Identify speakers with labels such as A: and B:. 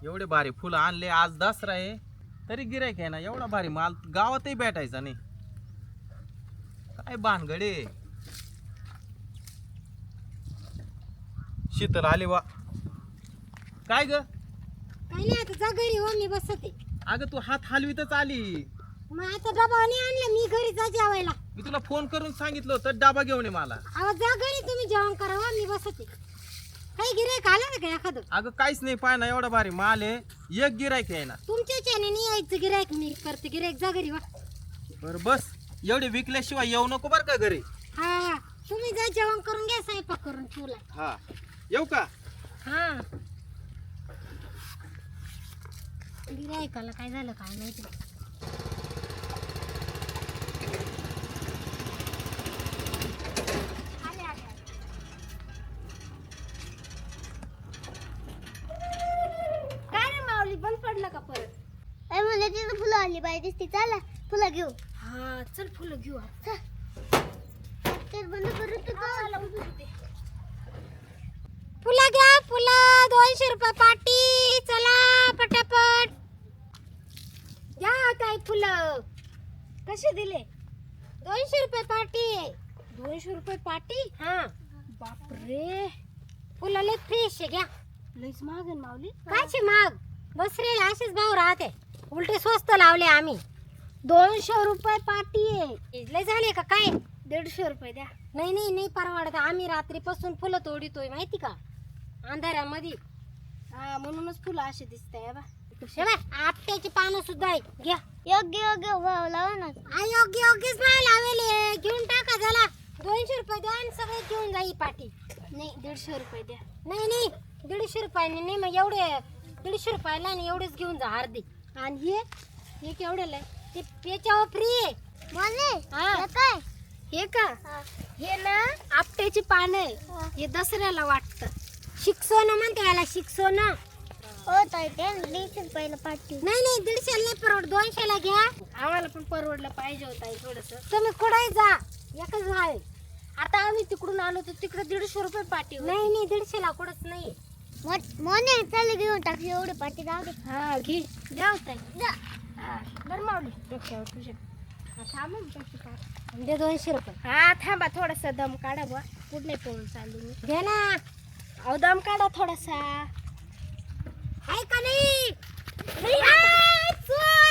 A: एवढे भारी फुलं आणले, आज दसरा आहे तरी गिरायक आहे ना. एवढा भारी माल गावातही भेटायचा नाही. काय भानगडे. शीतल आली वा. काय ग?
B: काही नाही, आता जा घरी हो, मी बसते.
A: अगं तू हात हलवीतच आली.
B: मग आता डबा नाही आणला, मी घरी जा जेवायला.
A: मी तुला फोन करून सांगितलं होतं डबा घेऊन ये मला.
B: अहो जा घरी, तुम्ही जेवण करा हो, मी बसते. काही गिरायक आलं ना का एखादं?
A: अगं काहीच नाही, पाय ना एवढा भारी माल आहे, एक गिरायक आहे ना.
B: तुमच्या चॅने नाही यायचं गिरायक, मी करते गिरायक. जा घरी वा.
A: बरं बस, एवढे विकल्याशिवाय येऊ नको बरं का घरी.
B: हा तुम्ही जा जेवण करून घ्या, स्वयंपाक करून ठेवला.
A: हा येऊ का?
B: हा गिरायकाला काय झालं काय माहिती.
C: काय रे माऊली, बंद पडलं का परत?
D: अरे म्हणजे तिथं फुलं आली पाहिजे ती. चला फुलं घेऊ.
B: हा चल फुलं घेऊ.
D: तेच बंद करू तू.
B: फुलं घ्या, फुलं 200 रुपये पाटी. चला पटापट घ्या. काय फुलं
C: कसे दिले?
B: 200 रुपये पाटी.
C: 200 रुपये पाटी?
B: हा
C: बापरे,
B: फुलं लय फ्रेश आहे, घ्या.
C: लईच महाग आहे माऊली.
B: कायचे माग बसरेला असेच भाव राहते, उलटे स्वस्त लावले आम्ही.
C: 200 रुपये पाटी आहे.
B: लय झाले का काय?
C: 150 रुपये द्या.
B: नाही नाही नाही परवडत. आम्ही रात्रीपासून फुलं तोडीतोय माहिती का, अंधारामध्ये.
C: हा म्हणूनच फुलं असे दिसताय बा.
B: हे बाय, आपट्याची पानं सुद्धा आहे, घ्या.
D: योग्य योग्य भाव लावा ना.
B: योग्य योग्यच भाव लावेले. घेऊन टाका झाला. 200 रुपये द्या आणि सगळे घेऊन जाई पाटी.
C: नाही 150 रुपये द्या.
B: नाही नाही 150 रुपयाने नाही, मग एवढे 150 रुपयाला नाही, एवढेच घेऊन जा अर्धे.
C: आणि हे केवढ्याला आहे?
B: ते याच्यावर फ्री आहे.
D: बोलले
B: हा.
D: हे काय?
C: हे का? हे ना आपट्याची पानं आहे. हे दसऱ्याला वाटतं.
B: शिकसोनं म्हणते याला, शिकसोनं.
D: हो ताई ते 150 रुपयाला पाटी.
B: नाही नाही 150 नाही परवड, 200 ला घ्या.
C: आम्हाला पण परवडलं पाहिजे होता थोडस.
B: तुम्ही कुठे जा, एकच भाव आहे.
C: आता आम्ही तिकडून आलो तर तिकडे 150 रुपये पाटी होती.
B: नाही नाही 150 ला कुठंच नाही.
D: मोने चल घेऊन टाक एवढी पाटी. जाऊ दे.
C: हा घे, द्या होता.
D: जा.
C: बरं माऊली, डोक्यावर तुझ्या. हा, थांबा ना पैसे काढ.
B: दे 200 रुपये.
C: हा थांबा, थोडासा दम काढा बुवा. पुढे पळून चालली मी.
B: घे ना.
C: अहो दम काढा थोडासा.
B: आहे का नाही?
C: नाही, आ, चोर!